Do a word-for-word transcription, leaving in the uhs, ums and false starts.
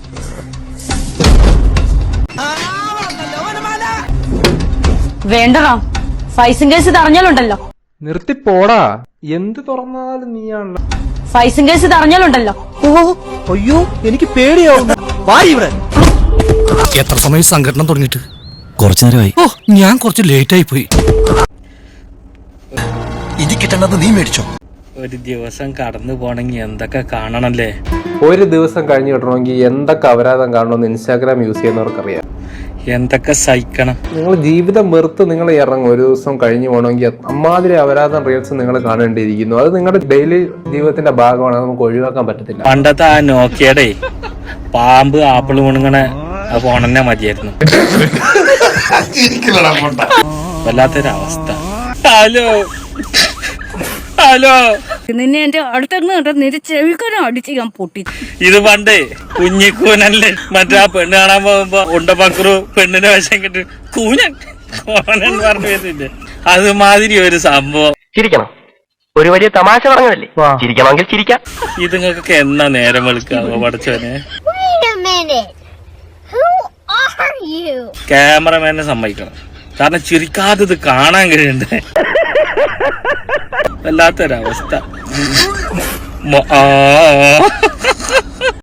വേണ്ടടാ, ഫൈസും കേസ് തറഞ്ഞാലുണ്ടല്ലോ. നിർത്തി പോടാ, എന്ത് തുറന്നാലും നീയാണല്ലോ. ഫൈസും കേസ് തറഞ്ഞാലുണ്ടല്ലോ. ഓ അയ്യോ, എനിക്ക് പേടിയാവും. എത്ര സമയം സംഘടന തുടങ്ങിയിട്ട്? കുറച്ചു നേരമായി. ഓ, ഞാൻ കുറച്ച് ലേറ്റ് ആയി പോയി. ഇത് കിട്ടണത് നീ മേടിച്ചോ? ഒരു ദിവസം കടന്നു പോണെങ്കിൽ എന്തൊക്കെ കാണണല്ലേ. ഒരു ദിവസം കഴിഞ്ഞ് കിട്ടണമെങ്കിൽ എന്തൊക്കെ അപരാധം കാണണമെന്ന് ഇൻസ്റ്റാഗ്രാം യൂസ് ചെയ്യുന്നവർക്കറിയാം. എന്തൊക്കെ സഹിക്കണം. നിങ്ങൾ ജീവിതം വെറുത്ത് നിങ്ങൾ ഇറങ്ങും. ഒരു ദിവസം കഴിഞ്ഞു പോകണമെങ്കിൽ അമ്മാതിരി അപരാധം റീൽസ് നിങ്ങൾ കാണേണ്ടിയിരിക്കുന്നു. അത് നിങ്ങളുടെ ഡെയിലി ജീവിതത്തിന്റെ ഭാഗമാണ്, നമുക്ക് ഒഴിവാക്കാൻ പറ്റത്തില്ല. പണ്ടത്തെ ആ നോക്കിയടേ പാമ്പ് ആപ്പിൾ മുണുങ്ങണ ആ ഫോൺ തന്നെ മതിയായിരുന്നു. വല്ലാത്തൊരവസ്ഥ. ഹലോ ഹലോ, നിന്നെ എന്റെ അടുത്തങ്ങ് കേട്ടോ, നിന്റെ ചെവിക്കനും അടിച്ച് ഞാൻ പൊട്ടി. ഇത് പണ്ടേ കുഞ്ഞിക്കൂനല്ലേ, മറ്റേ ആ പെണ്ണ് കാണാൻ പോകുമ്പോ ഉണ്ടപ്പക്രു പെണ്ണിന്റെ വശം കിട്ടി കൂനൻ കോനൻ പറഞ്ഞു വരുന്നില്ലേ, അതുമാതിരി ഒരു സംഭവം. ചിരിക്കണം, ഒരു വലിയ തമാശ പറഞ്ഞതല്ലേ, ചിരിക്കണമെങ്കിൽ ചിരിക്കാം. ഇത് നിങ്ങൾക്കൊക്കെ എന്നാ നേരം വെളുക്കാവോ പഠിച്ചവനെ? ക്യാമറമാനെ സമ്മതിക്കണം, കാരണം ചിരിക്കാതെ ഇത് കാണാൻ കഴിയണ്ടേ. വല്ലാത്തൊരവസ്ഥ.